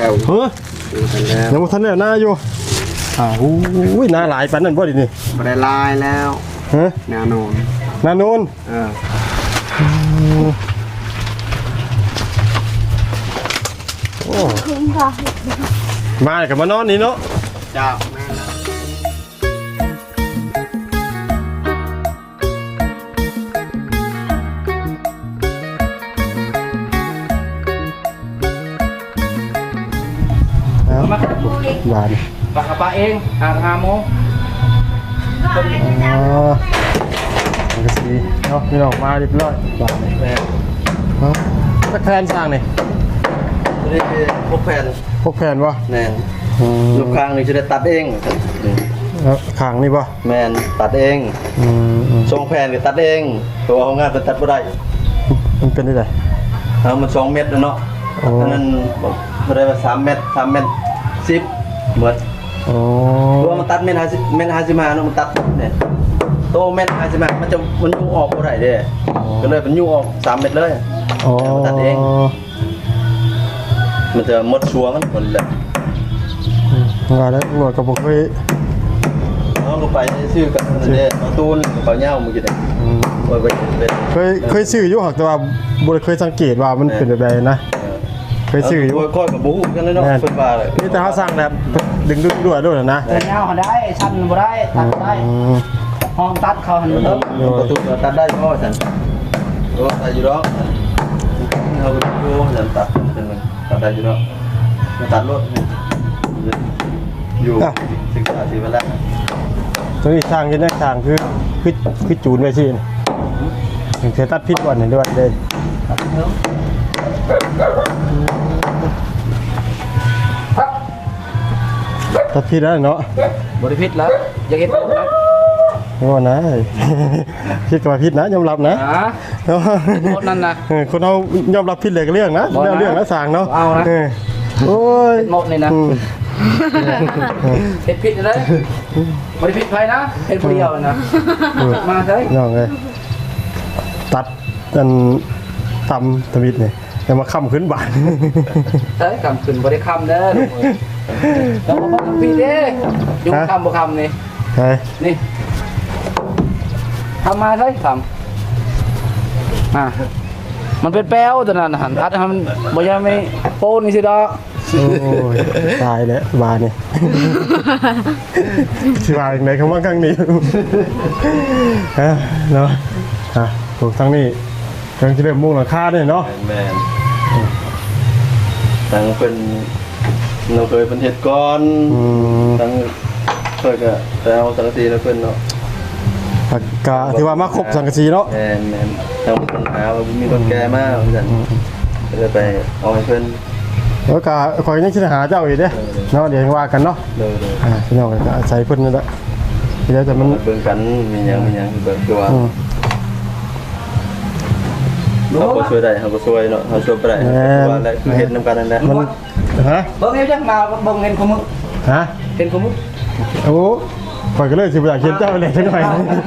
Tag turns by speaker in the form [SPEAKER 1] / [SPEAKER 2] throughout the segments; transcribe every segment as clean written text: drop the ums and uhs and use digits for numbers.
[SPEAKER 1] เฮ้ยยังบ่ทันแล้วหน้าอยู่อุ้ยหน้าหลายปานนั้นบ่ดินี่
[SPEAKER 2] บ่ได้ลายแล้ว
[SPEAKER 1] ฮะ
[SPEAKER 2] แนวโน้น
[SPEAKER 1] หน้าโนนโอ้มากับมานอนนี่เนาะ
[SPEAKER 2] จ้า
[SPEAKER 1] หวาน
[SPEAKER 3] ปากกระปะเอง5 โมง
[SPEAKER 1] มันก็สีเนาะพี่น้องมาเรียบร้อยหวานเลยสักแผ่นสร้างนี่
[SPEAKER 2] นี่พวกแผ่น
[SPEAKER 1] วะ
[SPEAKER 2] แน่นลูกค้างนี่จะได้ตัดเอง
[SPEAKER 1] ขางนี่ปะ
[SPEAKER 2] แมนตัดเองทรงแผ่นก็ตัดเองตัวของงานเป็นตัดบ่ได้
[SPEAKER 1] มันเป็นได้ไง
[SPEAKER 2] มัน2 เมตรเนาะอันนั้นบ่ได้ว่า3 เมตร10เหมือนตัวมันตัดเมตร50เนาะมันตัดเนี่ยโตเมตร50มันยู่ออกบ่ได้เด้ก็เลยมันยู่ออก3 เมตรเลยมันตัดเองมันจะหมดชัวมันหมดเลย
[SPEAKER 1] งานแล้วหน่วยกับผมเคย
[SPEAKER 2] เอาลงไปซื้อกับเนี่ยตูนเปล่าเน่ามึงกินได้
[SPEAKER 1] เคยซื้ออยู่หักแต่ว่าบุเคยสังเกตว่ามันเป็นแบบไหนนะเคยซื้ออยู่
[SPEAKER 2] ค่อยกับบู๊กันเลยเนาะเป็นบ้าเลย
[SPEAKER 1] นี่แต่เขาสั่งแบบดึงด้วยนะ
[SPEAKER 3] เน่าเขาได้ชั้นบ่ได้ตัดได้ห้องตัดเขาหัน
[SPEAKER 2] ประตูตัดได้ก็ฉันก็ตัดอยู่แล้วเขาดูฉันตัดได้อยู่แล้วตัดรถอยู่ศึกษาสีไปแล้ว
[SPEAKER 1] ตัวนี้ช่างยังได้ช่างคือจูนไว้สิถึงจะตัดพิษวันหนึ่งด้วยเลยตัดพิษแล้วเนาะ
[SPEAKER 3] บริพิษแล้วอย่าเก็บนะ
[SPEAKER 1] นี่ว่านะพิษกับพิษนะยอมรับนะ
[SPEAKER 3] คนนั้นนะ
[SPEAKER 1] คนเขายอมรับพิษเลยเรื่องนะเรื่องนะสั่งเนาะ
[SPEAKER 3] เอานะ
[SPEAKER 1] โอ้ย
[SPEAKER 3] หมดเลยนะเห็ดผิดเลยบริพิษไปนะเห็ดเดียวนะมาเลย
[SPEAKER 1] น้องเลยตัดกันตำทวิตเนี่ยจะมาค้ำขึ้นบาน
[SPEAKER 3] เฮ้ยค้ำขึ้นบริค้ำเด้อแล้วมาบอกพี่เด้ยุ่งค้ำบ่ค้ำนี่นี่ทำมาเลยทำมันเป็นแป้วตัวนั้นหันทัดทำบ่ยังไม่โป้นี่สิดอก
[SPEAKER 1] โอ้ยตายแล้วบานเนี่ยชิบายอย่างไรคำว่าข้างนี้เนาะถูกทั้งนี้กำลังจะเริ่มมุ่งหลังคาเนี่ยเนาะ
[SPEAKER 2] แมนตั้งเป็นเราเคยเป็นเหตุก้อนตั้งเคยก็แต่เอาสังกะสีแล้วเป็นเนาะ
[SPEAKER 1] กะที่ว่ามาครบสังกะสีเนาะ
[SPEAKER 2] แมนตั้งปัญหาว่ามีคนแก่มากเหมือนกันจะไปเอาให้เพื่อน
[SPEAKER 1] แล้วก็คอยยังคิดหาเจ้าอีกเด้เนาะเดี๋ยวว่ากันเนาะพี่น้องก็ใส่เพิ่นนั่นแหละเดี๋ยวแต่มัน
[SPEAKER 2] เบิ่งกันมีอย่างเบิ่งตัวเขาก็ช่วยได้เขาก็ช่วยเนาะเขาช่วยไปได้ว่าอะไรคือเห็นน้ำกันนั่นแหละ
[SPEAKER 1] มันฮะ
[SPEAKER 3] เบิ่งเอวจังมาเบิ่งเงินของมึง
[SPEAKER 1] ฮะ
[SPEAKER 3] เงินของมึง
[SPEAKER 1] โอ้คอยก็เลยสิบ่อยากเขียนเจ้าเลยจังหน่อย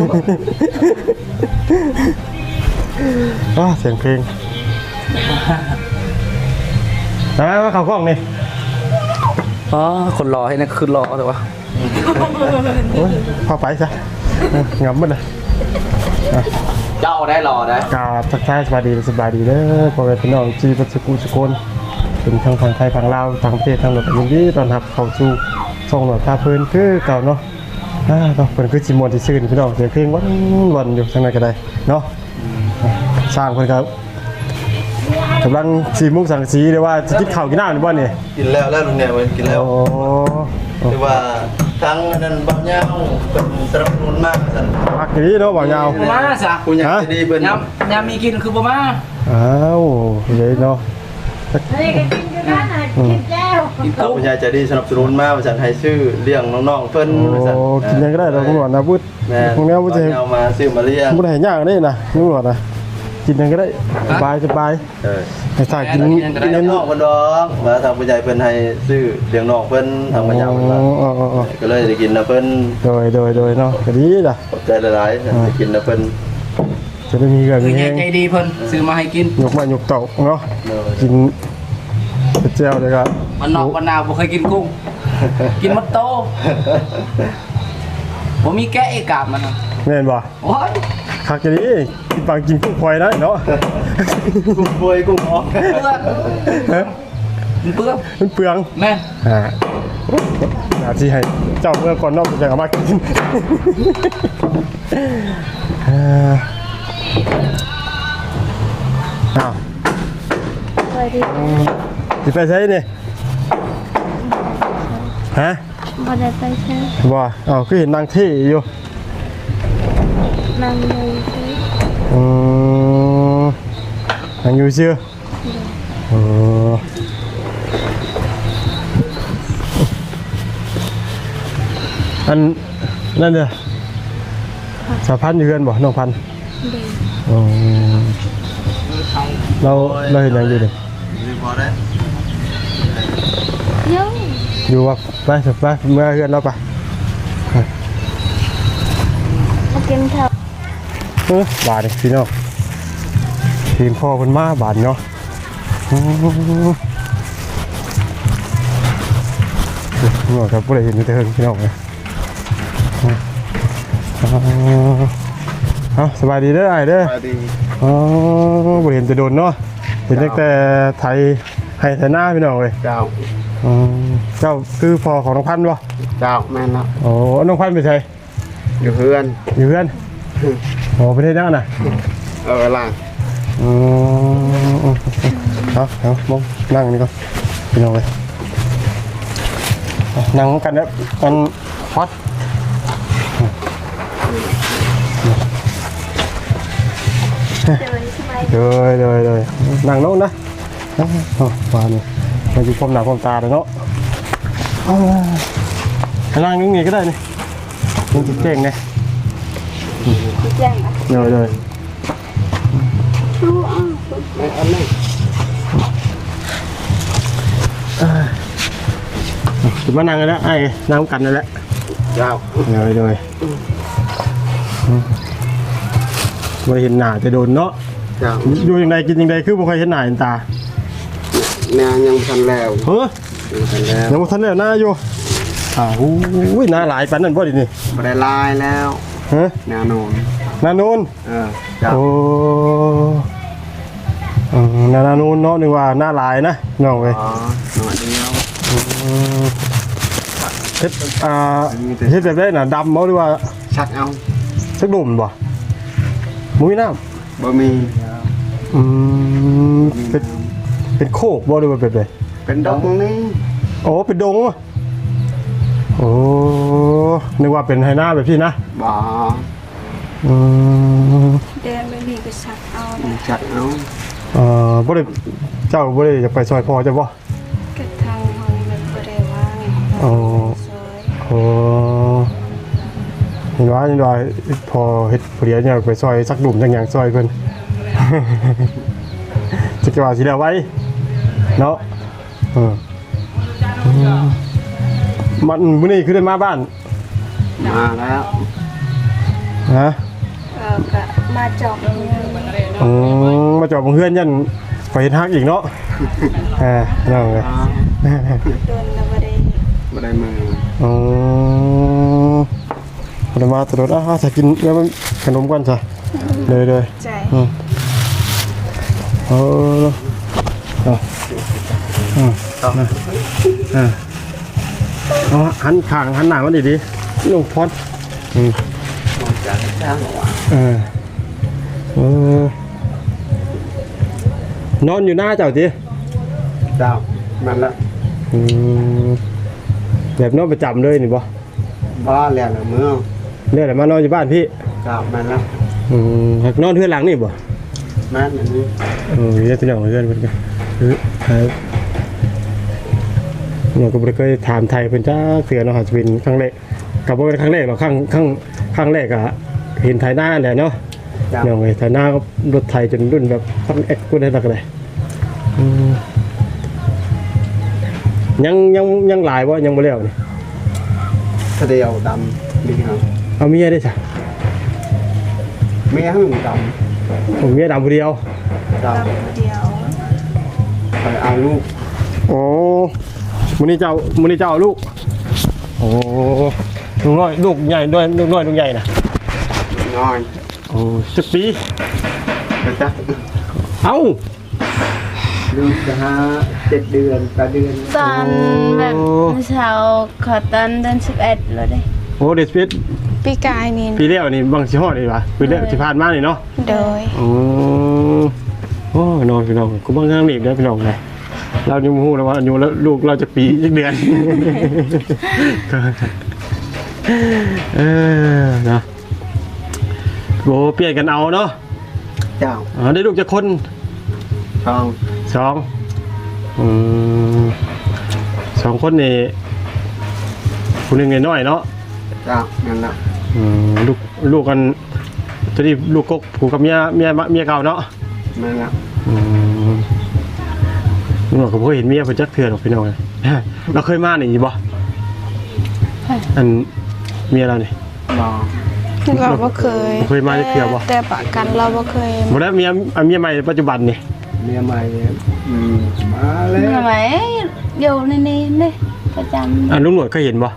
[SPEAKER 1] เสียงเพลงว่าเขากล้องนี่
[SPEAKER 3] คนรอให้นะคือรอแต่ว่า
[SPEAKER 1] พอไปซะงับมันเลย
[SPEAKER 3] เจ้าได้รอได้
[SPEAKER 1] กาทักทายสบายดีเด้อพอไปพี่น้องจีบัสกุสกุลเป็นทางฝั่งไทยฝั่งลาวทางประเทศทางหลบยินดีตอนรับเข้าสู่ส่งหน่วยพาเพลินคือเก่าเนาะเป็นคือจิมวนที่ซื่นพี่น้องเสียงเพลงวันอยู่ทางไหนก็ได้เนาะสร้างคนครับกำลังสีมุกสังสีเรียกว่าจะกินข้าวกินน้ำหรือเปล่าเนี่ย
[SPEAKER 2] กินแล้วลุงเนี่ยกินแล้วเรียกว่าทั้งนั้นบ่าวเงาเป็นสนับสนุนมากสัน
[SPEAKER 1] พักนี้เนาะบ่าวเงา
[SPEAKER 3] มาซะ
[SPEAKER 2] คุณอยากจะดีเป็น
[SPEAKER 3] ยามมีกินคือบ่มา
[SPEAKER 1] อ้าวเย้เนาะ
[SPEAKER 4] นี่ก็กินกันนะกินแล้ว
[SPEAKER 2] คุณยายจะดีสนับสนุนมากสันให้ชื่อเลี้ยงน้องๆเพิ่น
[SPEAKER 1] กินยังก็ได้เราหนวดนะพูด
[SPEAKER 2] พวกนี้พูดจะเอามาซื้อมาเลี้ยง
[SPEAKER 1] พูดให้ยากได้นะหนวดนะกินยังก็ได้สบายให้ถ่ายกิน
[SPEAKER 2] น้องคนดองมาทางผู้ใหญ่เพิ่นให้ซื้อเลี้ยงน้องเพิ่นทางผู้ใหญ่ก็เลยได้กินนะเพิ่น
[SPEAKER 1] โดยเนาะก็ดีจ้ะ
[SPEAKER 2] ขอบใจหลายๆได้กินนะเพิ่น
[SPEAKER 1] จะได้มีเงินมี
[SPEAKER 3] ใจดีเพิ่นซื้อมาให้กิน
[SPEAKER 1] ยกมาหยกเต่าเนาะกินเจียวเลยครับ
[SPEAKER 3] มันนอกมันนาวบ่เคยกินกุ้งกินมันโตบ่มีแกะเอกาบมัน
[SPEAKER 1] แม่นบ่
[SPEAKER 3] โอ้ย
[SPEAKER 1] คักจะนี้กินปังกินกุ้งพลอยได้เนาะ
[SPEAKER 2] กุ้งบวยกุ้งออก
[SPEAKER 3] เปลือก
[SPEAKER 1] ฮะ
[SPEAKER 3] มันเปลือก
[SPEAKER 1] มันเปลือง
[SPEAKER 3] แม่น
[SPEAKER 1] อาที่ให้เจ้าเมื่อก่อนนอกจากเอามากินอ้าว
[SPEAKER 4] สวัสดี
[SPEAKER 1] สิไปใช้นี่ฮะ
[SPEAKER 4] บอได้ไปใช้
[SPEAKER 1] บ่อ้าวคือเห็นนางที่อยู่
[SPEAKER 4] นั่งเลยใช้
[SPEAKER 1] อืมนางอยู่ชื่อเอออันนั่นเด้อสาวพันธุ์อยู่เฮือนบ่น้องพันธุ์
[SPEAKER 4] เด็ก
[SPEAKER 1] อืมเราเห็นหยังอยู่ดิ
[SPEAKER 2] รีพอได้
[SPEAKER 4] เยอะ
[SPEAKER 1] อยู่ว่าไปสิไปเมื่อเฮือนเราไป
[SPEAKER 4] มากินข้าว
[SPEAKER 1] บาทนี่พี่น้องทีมพ่อเพิ่นมาบาทเนาะอืมนี่ครับบ่ได้เห็นอยู่แต่เฮิงพี่น้องเลยเอาสบายดีเด้ออ้ายเด้อ
[SPEAKER 2] สวัสดี
[SPEAKER 1] อ๋อบ่เห็นจะโดนเนาะเห็นตั้งแต่ไทยให้ไทยหน้าพี่น้องเว้ย
[SPEAKER 2] เจ้า
[SPEAKER 1] อืมเจ้าคือพ่อของน้องพันธุ์บ่
[SPEAKER 2] เจ้าแม่นแล้ว
[SPEAKER 1] โอ้น้องพันธุ์ไปไส
[SPEAKER 2] อยู่เพื่อน
[SPEAKER 1] อยู่เพื่อนโอ้ประเทศยังน่ะ
[SPEAKER 2] ล่าง
[SPEAKER 1] อืมเอามองนั่งนี่ก่อนพี่น้องเว้ยนั่งกันแล้วกันฮอตเลยนั่งโน้นนะมานี่มาอยู่พร้อมหน้าพร้อมตาเลยเนาะนั่งนิ่งๆก็ได้นี่มึงจะเก่งไง
[SPEAKER 4] แจ้งอ่ะ
[SPEAKER 1] เลย
[SPEAKER 4] รู้อ่ะ
[SPEAKER 2] ไม่อันนี้
[SPEAKER 1] ถึงมานั่งกันแล้วไอ้นั่งกันนั่นแหละ
[SPEAKER 2] เจ้า
[SPEAKER 1] เลยไม่เห็นหน้าจะโดนเนาะ
[SPEAKER 2] เจ้า
[SPEAKER 1] อยู่ยังไงกินยังไงคือบ่เคยเห็นหน้าเห็นตา
[SPEAKER 2] แนางยังทันแล้ว
[SPEAKER 1] เฮ้ย
[SPEAKER 2] ยังทันแล้ว
[SPEAKER 1] ยังบ่ทันได้หน้าอยู่อุ้ยหน้าหลายปานนั้นบ่ดินี่
[SPEAKER 2] ไม่ได้ลายแล้ว
[SPEAKER 1] ฮะ
[SPEAKER 2] แนวโน้น
[SPEAKER 1] หน้าโน้น
[SPEAKER 2] เจ้า
[SPEAKER 1] โอ้หน้าโน้นเนาะนึกว่าหน้าหลายนะน้องเว้ย
[SPEAKER 2] อ๋อหน่อยเดียว
[SPEAKER 1] เฮ็ดเฮ็ดแบบได้น่ะดำบ่หรือว่า
[SPEAKER 2] ชักเอา
[SPEAKER 1] สักดุ่มบ่มุ้ยน้ำ
[SPEAKER 2] บ่มี
[SPEAKER 1] เป็นโคกบ่หรือว่าแบบใด
[SPEAKER 2] เป็นดอกนี่
[SPEAKER 1] โอ้เป็นดงวะโอ้นึกว่าเป็นไฮนาแบบพี่นะ
[SPEAKER 2] บ่
[SPEAKER 4] เดินไปนี่ก็ชักเอาเลย
[SPEAKER 2] ชักเอา
[SPEAKER 1] บ่ได้เจ้าบ่ได้จะไปซอยพอจะบ่
[SPEAKER 4] กระทางห้องมันก็ได้ว่าง
[SPEAKER 1] อ๋อ
[SPEAKER 4] ซอย
[SPEAKER 1] โอ้เห็นว่าพอเฮ็ดผู้เดียวเนี่ยไปซอยสักดุ่มจังหยังซอยเพิ่น จะว่าสิแล้วไว้เนาะมันมื้อนี้คือได้มาบ้าน
[SPEAKER 2] มาแล้ว
[SPEAKER 1] ฮะ
[SPEAKER 4] ก็มาจอบมือ
[SPEAKER 1] มาจอดบงเฮือนยันไปเห็นฮักอีกเนาะนั่งเลย
[SPEAKER 4] โดนแล้วไม่ได้
[SPEAKER 2] บ่ได้มือ
[SPEAKER 1] คนมาตลอดจะกินแล้วมันขนมกันจ้ะเลย
[SPEAKER 4] ใจ
[SPEAKER 1] หันข้างหันหน้ามันดีๆลงพอด
[SPEAKER 2] มองจากเจ้าน
[SPEAKER 1] อนอยู่หน้าเจ้าที
[SPEAKER 2] เจ้ามันละ
[SPEAKER 1] แบบนอนประจำเลยนี่บ่
[SPEAKER 2] บ้าแล้วเมือง
[SPEAKER 1] เรียกอะไรมานอนอยู่บ้านพี่
[SPEAKER 2] เจ้ามันละ
[SPEAKER 1] นอนเพื่อนหลังนี่บ่
[SPEAKER 2] แม่นอันนี้
[SPEAKER 1] เรียกตัวอย่างเพื่อนเพื่อนกันเราก็ไม่เคยถามไทยเป็นจ้าเสือเนาะจะเป็นครั้งแรกกับว่าเป็นครั้งแรกหรอกครั้งแรกอะเห็นไทยหน้าแหละเนาะ
[SPEAKER 2] เจ้า
[SPEAKER 1] อย่างไงไทยหน้ารถไทยจนรุ่นแบบพันเอ็กซ์กูได้ตักเลยยังหลายวะยังบ่แล้วนี่
[SPEAKER 2] เดียวดำนี่ครับ
[SPEAKER 1] เอาเมียได้จ้ะ
[SPEAKER 2] แม่หึ่งด
[SPEAKER 1] ผมเมียดำผู้เดียว
[SPEAKER 2] ำเจ้า
[SPEAKER 4] เดียว
[SPEAKER 2] ไปเอาลูก
[SPEAKER 1] โอ้มื้อนี้เจ้าเอาลูกโอ้ลูกน้อยลูกใหญ่ด้วยลูกน้อยลูกใหญ่น่ะ
[SPEAKER 2] น้อย
[SPEAKER 1] โอ้จักปี
[SPEAKER 2] นะจ๊ะ
[SPEAKER 1] เอ้า
[SPEAKER 3] ลูกจะ7 เดือน8 เดือน
[SPEAKER 4] ตอนแบบเช้าขอตอนเดือน11เลยได้
[SPEAKER 1] โอ้เดสเปด
[SPEAKER 4] ปีกายนี่
[SPEAKER 1] ปีแล้วนี่บางสิฮอดนี่วะปีแล้วที่ผ่านมานี่เนาะ
[SPEAKER 4] โดย
[SPEAKER 1] โอ้นอนพี่น้องกูบางครั้งนี่เด้อพี่น้องเลยเรายังบ่ฮู้แล้วว่าอายุแล้วลูกเราจะปีจักเดือน เออเนาะโบเปลี่ยนกันเอาเนาะ
[SPEAKER 2] เจ้า
[SPEAKER 1] ได้ลูกจะคน
[SPEAKER 2] ช่อง
[SPEAKER 1] สองสองคนนี่คนหนึ่งน้อยๆเนาะ
[SPEAKER 2] เจ้านั่นแหละ
[SPEAKER 1] ลูกกันตอนนี้ลูกกกผูกกับเมียเก่าเนาะ
[SPEAKER 2] นั่นแหละ
[SPEAKER 1] ลุงหลอกก็บ่เคยเห็นเมียเพิ่นจักเทื่อหรอกพี่น้องเลยเราเคยมานี่บ่อันเมียเรานี่
[SPEAKER 2] รอ
[SPEAKER 4] เราบ่เคย
[SPEAKER 1] เคยมาจะเที่ยวบ่
[SPEAKER 4] แต่ประกันเราบ่เคย
[SPEAKER 1] บ่ได้เมียใหม่ปัจจุบันนี่
[SPEAKER 2] เมียใหม่มาแล้ว
[SPEAKER 4] ทำไมอยู่ในนี้นี่ประจำ
[SPEAKER 1] อันลุงหนวดเคยเห็นบ่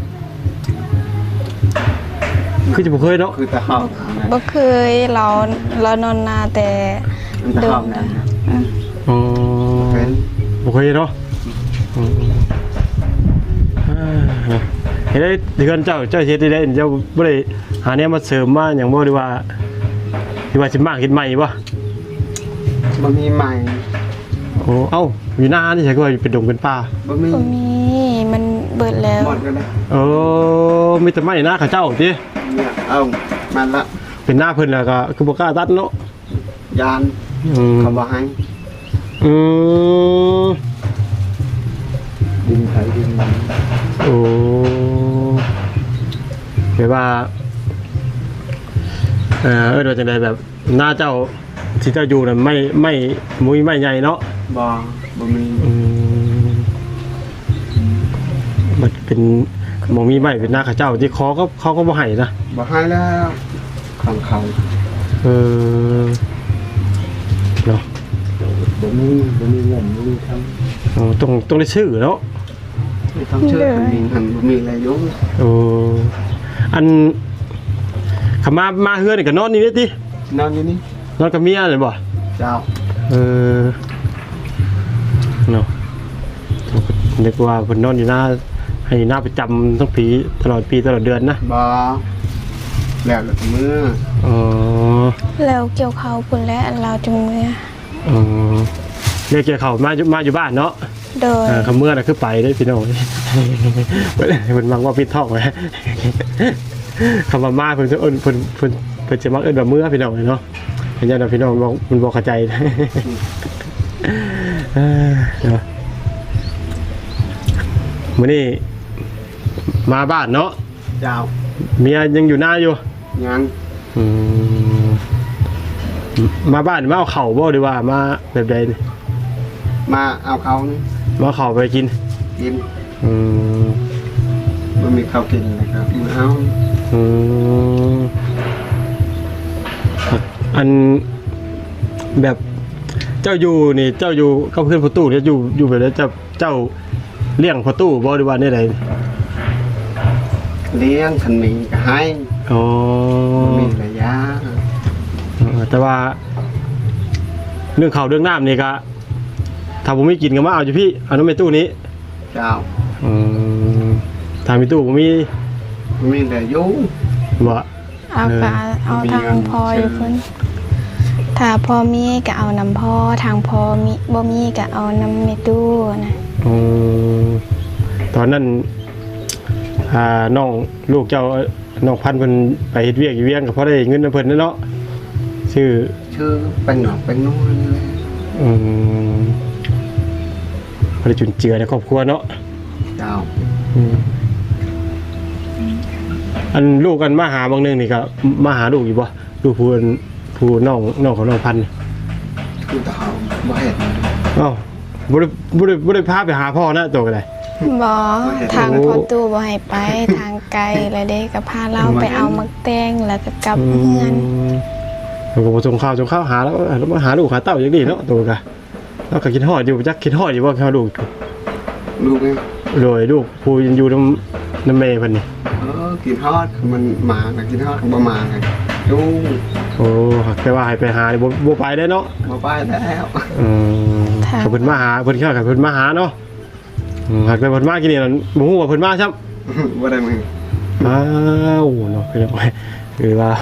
[SPEAKER 1] คือจะบ่เคยเนาะ
[SPEAKER 2] คือตะหอบ
[SPEAKER 4] บ่เคยเรานอนนาแต่
[SPEAKER 2] ตะหอบนะ
[SPEAKER 1] อ๋อ
[SPEAKER 2] เป็น
[SPEAKER 1] บ่เคยเนาะเห็นได้เดือนเจ้าเฮ็ดได้เจ้าบ่ได้หาแนวมาเสริมมาหยังบ่ดีว่าสิมากเฮ็ดใหม่บ่
[SPEAKER 2] บะมีใหม่
[SPEAKER 1] โอ้เอ้าอยู่หน้านี่ใช่ก็ว่าเป็นดงเป็นป่า
[SPEAKER 2] บะมี
[SPEAKER 4] บ่มีมันเบิดแล้ว
[SPEAKER 2] หมดกันเลย
[SPEAKER 1] มีแต่ไม้หน้าเขาเจ้าติ
[SPEAKER 2] เนี่ยเอามันละ
[SPEAKER 1] เป็นหน้าเพิ่นแล้วก็คือบ่กล้าตัดเนาะ
[SPEAKER 2] ยาน
[SPEAKER 1] อืม
[SPEAKER 2] เขาบอกให้
[SPEAKER 1] อืม
[SPEAKER 2] ดินไถดินมัน
[SPEAKER 1] โอ้แบบว่าว่าจังไดแบบหน้าเจ้าที่เจ้าอยู่น่ะไม่มุ้ยไม่ใหญ่เนาะ
[SPEAKER 2] บะมี
[SPEAKER 1] มันเป็นหมองมีไม้เป็นหน้าเขาเจ้าที่เขาก็บ่ให้นะ
[SPEAKER 2] บอกให้แล้วของเขา
[SPEAKER 1] เออเนาะ
[SPEAKER 2] บะมีเงินบะมีท
[SPEAKER 1] ต้องได้ชื่อเนาะ
[SPEAKER 2] ำไม่ต้องเชื่อมีหันบะมีอะไรยุ่ง
[SPEAKER 1] โอ้อันขมาเฮือนนี่ก็นอนนี่เด้ติ
[SPEAKER 2] นอนอยู่นี่
[SPEAKER 1] นอนกับเมียเลยบ่
[SPEAKER 2] เจ้า
[SPEAKER 1] เออเนาะนึกว่าเพิ่นนอนอยู่หน้าให้หน้าประจำทั้งปีตลอดปีตลอดเดือนนะ
[SPEAKER 2] บอแล้วเมื่อ
[SPEAKER 1] อ๋อ
[SPEAKER 4] แล้วเกี่ยวเขาพุ่นและเราจึงเมื่อ
[SPEAKER 1] อ๋อเรียกเกี่ยวเขามาอยู่บ้านเนาะ
[SPEAKER 4] โดย
[SPEAKER 1] คำเมื่อน่ะคือไปได้อพี่น้อง เพิ่นมักว่าปิดท้องไว้ คำว่ามาเพิ่นจะเอิ้นเพิ่นจะมักเอิ้นว่าเมื่อพี่น้องเนาะเห็นจังได๋พี่น้องบอกมันบ่เข้าใจ เนาะมื้อนี้มาบ้านเนาะ
[SPEAKER 2] เจ้า
[SPEAKER 1] เมียยังอยู่หน้าอยู่
[SPEAKER 2] ยัง
[SPEAKER 1] อืมมาบ้านมาเอาเข่าวบ่หรือว่ามาแบบใดนี่
[SPEAKER 2] มาเอาเขานี่
[SPEAKER 1] มาเอาเข่าวไปกิน
[SPEAKER 2] กิน
[SPEAKER 1] อืม
[SPEAKER 2] มันมีข้าวกินนะครับมาเอา
[SPEAKER 1] อืมอันแบบเจ้าอยู่นี่เจ้าอยู่กับเพื่อนประตูเนี่ยอยู่แบบนี้เจ้าเลี้ยงประตูบ่หรือว่าเนี่ยใด
[SPEAKER 2] เลี้ยงขันหมีก็ให้
[SPEAKER 1] อ๋อ
[SPEAKER 2] มีระยะ
[SPEAKER 1] แต่ว่าเรื่องข้าวเรื่องน้ำนี่ก็ถ้าผมไม่กินก็มาเอาอยู่พี่เอาน้ำในตู้นี้
[SPEAKER 2] เจ้า
[SPEAKER 1] อืมถ้ามีตู้ผมมี
[SPEAKER 2] มีแต่ยุ่ง
[SPEAKER 1] บ่
[SPEAKER 4] เอากะเอาทางพออยู่เพิ่นถ้าพอมีก็เอาน้ำพอทางพอมีบ่มีก็เอาน้ำในตู้นะ
[SPEAKER 1] อืมตอนนั้นน้องลูกเจ้าน้องพันธุ์เพิ่นไปเฮ็ดเวียกอยู่เวียงก็พอได้เงินนำเพิ่นนั่นเนาะชื่อ
[SPEAKER 2] เป็นหนอกเป็นนู่นเลย
[SPEAKER 1] พอได้จุนเจือในครอบครัวเนาะ
[SPEAKER 2] เจ้า
[SPEAKER 1] อืมอันลูกกันมาหาบางนึงนี่ก็มาหาลูกอยู่บ่ลูกผู้น้องของน้องพันธุ์
[SPEAKER 2] คือเขาบ่เห็น
[SPEAKER 1] อ้าวบ่ได้พาไปหาพ่อนะตัวก็ได้
[SPEAKER 4] บ่ทางพอตู้บ่ให้ไปทางไกลแล้วเด้ก็พาเราไปเอามักแตงแล้วก็กลับเฮือน
[SPEAKER 1] แล้วก็บ่ส่งข้าวหาแล้วมาหาลูกหาเต้าอย่างนี้เนาะตัวก็เราก็คิดฮอดอยู่จักคิดฮอดอยู่ว่าเขาลูก
[SPEAKER 5] ลูกเอง
[SPEAKER 1] โดยลูกผู้ยังอยู่น้ำเมย์เพิ่นนี่
[SPEAKER 5] กินทอดมันมากับกินทอดบ่มาไงดู
[SPEAKER 1] โอ้แต่ว่าให้ไปหาบ่ไปได้เนาะ
[SPEAKER 5] บ่ไปแล้ว
[SPEAKER 1] เขาเพิ่นมาหาเพิ่นเข้ากับเพิ่นมาหาเนาะหากแต่เพิ่นมากินนี่นั่นบ่ฮู้ว่าเพิ่นมาซ้ำ
[SPEAKER 5] บ่ได้มึง
[SPEAKER 1] อ้าวเนาะคือว่าคือว่า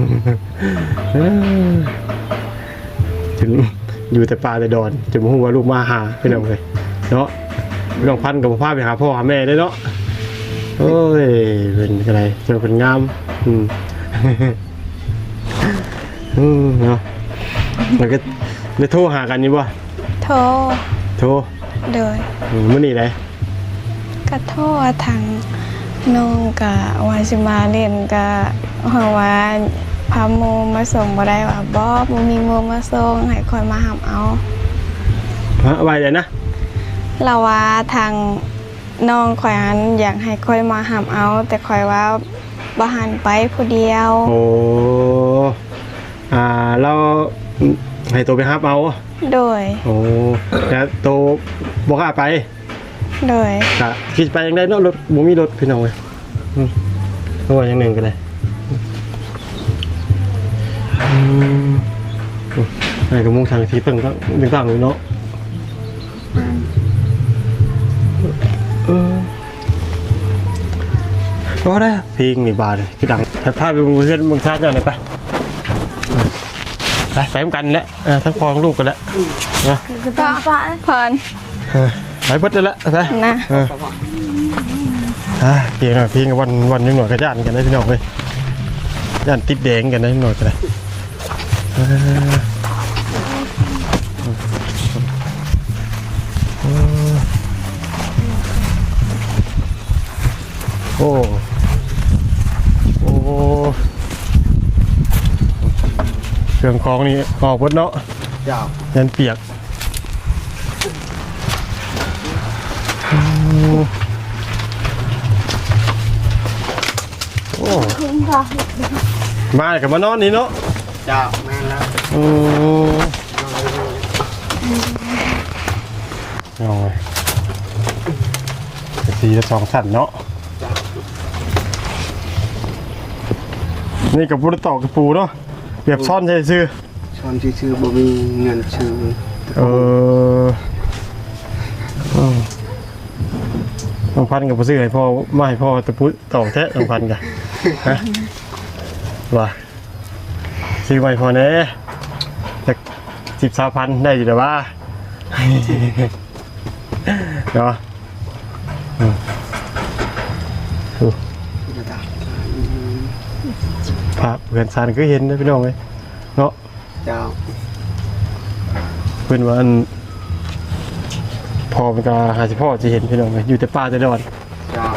[SPEAKER 1] ถึงอยู่แต่ป่าแต่ดอนจะบ่ฮู้ว่าลูกมาหาพี่น้องเอ้ยเนาะน้องพันธุ์ก็บ่พาไปหาพ่อหาแม่ได้เนาะโอ้ยเป็นอะไรเจอเป็นงามเนาะแล้วก็ได้โทรหากันอยู่บ่
[SPEAKER 4] โทร
[SPEAKER 1] โทร
[SPEAKER 4] โดย
[SPEAKER 1] มื้อนี้ได้
[SPEAKER 4] ก็โทรทางน้องก็ว่าสิมาเล่นก็เฮาว่าพาโมมาส่งบ่ได้ว่าบ่มีโมมาส่งให้คอยมารับเอา
[SPEAKER 1] ฮะว่าไงนะ
[SPEAKER 4] เราว่าทางน้องข่อยหันอยากให้ข่อยมาหามเอา แต่ข่อยว่าบ่หันไปผู้เดียว
[SPEAKER 1] โอ้เราให้ตัวไปฮับเอา
[SPEAKER 4] โดย
[SPEAKER 1] โอ้แต่ตัวบ่กล้าไป
[SPEAKER 4] โดย
[SPEAKER 1] ก็คิดไปยังได้เนาะรถบ่มีรถพี่น้องเว้ยตัวอย่างหนึ่งก็ได้ไอ้ก็มุ่งทางที่เพิ่งก็ต่างๆเลยเนาะก็ได้เพลงนี่บาเลยคือดังถ้าพาไปเพื่อนเมืองชาติเนี่ยไปไปกันแหละทั้งพ่อทั้งลูกกันแหละนะ
[SPEAKER 4] พร
[SPEAKER 1] ไปเบิดเลยละไป
[SPEAKER 4] นะ
[SPEAKER 1] เพลงหน่อยเพลงวันนึงหน่อยก็ย่านกันได้พี่น้องเลยย่านติดแดงกันได้หน่อยก็ได้โอ้เครื่องคล้องนี่ออกหมดเนาะ
[SPEAKER 5] เจ้า
[SPEAKER 1] ยันเปียกโอ้มากับมานอนนี่เนาะ
[SPEAKER 5] เจ้าแม่นแล้ว
[SPEAKER 1] เอาไงสีละสองชั้นเนาะนี่กับปูตอกกับปูเนาะเปียบซ่อนใช่ซื้อ
[SPEAKER 5] ชอนชื่อบ่มีเงินชื่อ
[SPEAKER 1] น้องพันกับผู้ซื้อให้พ่อไม่ให้พ่อตะปุตอกแท้น้องพันกันฮะว่าซื้อไว้พอเน่จาก13,000ได้อยู่แต่ว่าเนาะภาพเพื่อนซานก็เห็นนะพี่น้องเลยเนาะ
[SPEAKER 5] เจ้า
[SPEAKER 1] เพื่อนว่าอันพอเป็นการหาสิพ่อจะเห็นพี่น้องเลยอยู่แต่ป่าแต่ดอน
[SPEAKER 5] เจ้า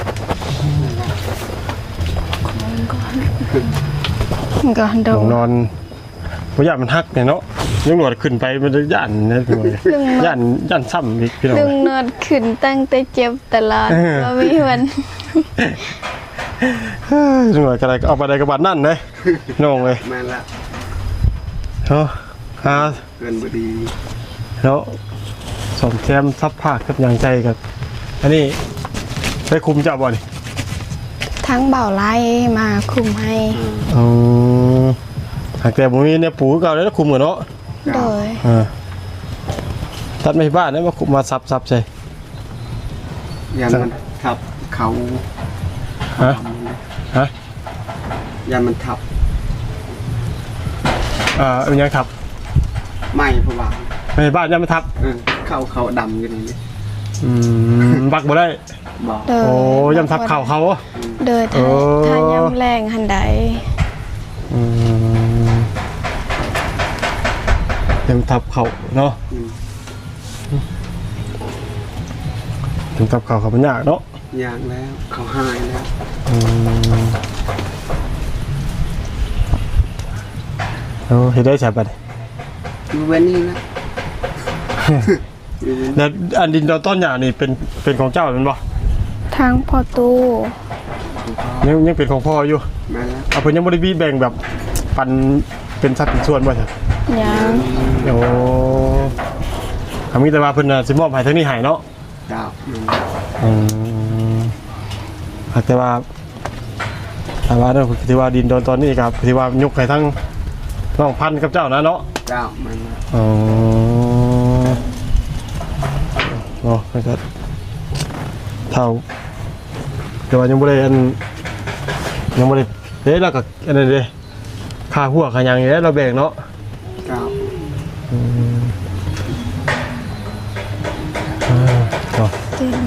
[SPEAKER 4] ก่อนโด
[SPEAKER 1] หลงนอนเพราะย่านมันฮักเนี่ยเนาะยังหนวดขึ้นไปมันจะย่านนะพี่น้องเลยย่านซ้ำอีกพี่น้อง
[SPEAKER 4] ลุงนวดขึ้นตั้งแต่เจ็บตลอดบ่มีวัน
[SPEAKER 1] จังหวะอะไรเอาไปได้กระบาดนั่นเลยน้องเลย
[SPEAKER 5] แม่นแล้ว
[SPEAKER 1] เนาะ
[SPEAKER 5] เกินบ่ดี
[SPEAKER 1] แล้วสมแซมซับภาคกับอย่างใจกับอันนี้ได้คุมจับบ่นี่
[SPEAKER 4] ทั้งเบาไล่มาคุมให้
[SPEAKER 1] หากแต่ผมมีเนี่ยปูเก่าแล้วคุมกันเนาะ
[SPEAKER 4] โดย
[SPEAKER 1] ตัดไม่บ้านนะมาคุมมาซับใช่
[SPEAKER 5] ยันมันทับเขา
[SPEAKER 1] ฮะ
[SPEAKER 5] ยันมันทับ
[SPEAKER 1] เป็นยังครับ
[SPEAKER 5] ไม่เพราะว่า
[SPEAKER 1] ไม่บ้านยังไม่ทับ
[SPEAKER 5] เขาดำอยู่นี่
[SPEAKER 1] บักบ่ได้
[SPEAKER 5] บอก
[SPEAKER 4] โดย
[SPEAKER 1] โอ้ยำทับเข่าเขา
[SPEAKER 4] โดยถ้ายำแรงหันใด
[SPEAKER 1] ยำทับเข่าเนาะยำทับเข่าเขาเป็นยากเนาะ
[SPEAKER 5] ยางแล้วเขาหายแล้ว
[SPEAKER 1] เห็นได้ใช่ปะเนี่ย
[SPEAKER 5] อยู่เว้นนี่นะ
[SPEAKER 1] แล้วอันดินดอนต้นหญ้านี่เป็นของเจ้าเป็นบ่
[SPEAKER 4] ทางพอตู้
[SPEAKER 1] ยังเป็นของพ่ออยู่
[SPEAKER 5] มาแล้ว
[SPEAKER 1] เอาเพิ่นยังบ่ได้มีแบ่งแบบปันเป็นสัดเป็นส่วนบ่ใช่
[SPEAKER 4] ยัง
[SPEAKER 1] โอ้มีแต่ว่าเพิ่นน่ะสิมอบให้ทางนี้ให้เนาะ
[SPEAKER 5] เจ้า
[SPEAKER 1] อืมแต่ว่าเด้อที่ว่าดินโดนตอนนี้ครับที่ว่ายกให้ทั้งน้องพันธุ์กับเจ้านะเนาะ
[SPEAKER 5] เจ้ามัน
[SPEAKER 1] อ๋อเนาะมันก็เท่าแต่ว่ายังบ่ได้ยังบ่ได้เด้แล้วก็อันนั้นเด้ค่าหัวค่าหยังนี่เราแบ่งเนาะ
[SPEAKER 5] เจ้า
[SPEAKER 1] เนาะ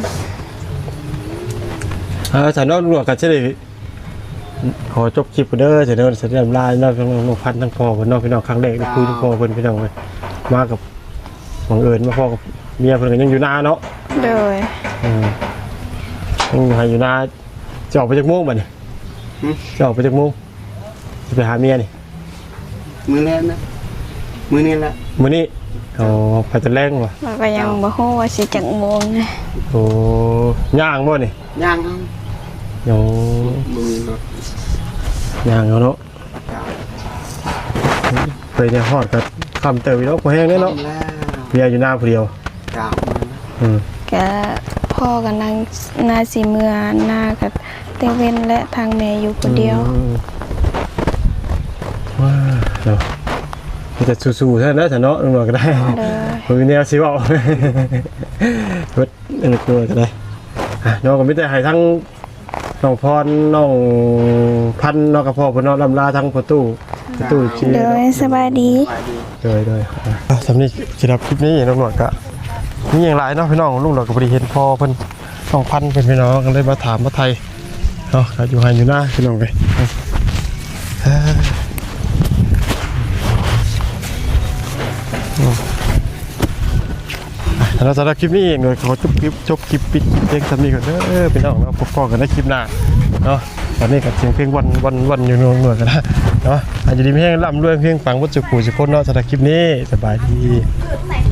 [SPEAKER 1] ฉันนอกหลวงกันใช่ไหมขอจบคลิปเด้อเสร็จแล้วเสร็จแล้วลาเนาะน้องพันทั้งพ่อเพิ่นเนาะพี่น้องครั้งแรกได้คุยทั้งพ่อเพิ่นพี่น้องเลยมากับบังเอิญมาพ่อกับเมียเพิ่นก็ยังอยู่นาเนาะ
[SPEAKER 4] โดย
[SPEAKER 1] ยังอยู่นาจะออกไปจากโมงบ่เนี่ยจะออกไปจากโมงจะไปหาเมียนี่
[SPEAKER 5] มือแรกนะมือนี้แหละ
[SPEAKER 1] มื้อนี้อ๋อไปแต่แรงว่ะ
[SPEAKER 4] เราก็ยังบ่ฮู้ว่าสิจักโมงนะ
[SPEAKER 1] โอ้ย่างบ่นี่
[SPEAKER 5] ย่างเอา
[SPEAKER 1] เดี๋ยว
[SPEAKER 5] มือรถ
[SPEAKER 1] ย่างเอาเนาะ
[SPEAKER 5] เจ้า
[SPEAKER 1] ไปเนี่ยฮอดก็คำเติบอีเนาะบ่แห้งแน่เนาะ
[SPEAKER 5] แล้ว
[SPEAKER 1] เมียอยู่หน้าผู้เดียว
[SPEAKER 5] เจ้า
[SPEAKER 4] ก็พ่อกับนางนาสีเมือนากับเตเว่นและทางแม่อยู่คนเดียว
[SPEAKER 1] ว้าเนาะมีแต่สู้ๆเท่านั้นนะเนาะน้องๆก็ได้
[SPEAKER 4] เลย
[SPEAKER 1] มือเนี่ยสิเว้าเฮ็ดอันนี้ตัวก็ได้น้องก็มีแต่ให้ทั้งน้องพรน้องพันธุ์น้องกระเพาะเพิ่นเนาะลำลาทั้งประตูชี
[SPEAKER 4] โดยสบายดี
[SPEAKER 5] ไปดี
[SPEAKER 1] เลยสำนี้สำหรับคลิปนี้น้องๆก็มีอย่างไรเนาะพี่น้องลุงเราก็บ่ได้เห็นพ่อเพิ่นน้องพันธุ์เพิ่นพี่น้องก็เลยมาถามมาไทยเนาะก็อยู่ให้อยู่หน้าพี่น้องไปแล้วสำหรับคลิปนี้เองเลยขอจบคลิปปิดเพลงสำนีก่อนเด้อพี่น้องเราพบกันในคลิปหน้าเนาะตอนนี้กับเสียงเพลงวันอยู่หน่วยกันนะเนาะอาจจะดีเพลงล่ำด้วยเพลงฟังวัตถุปู่สิคนเนาะสำหรับคลิปนี้สบายดี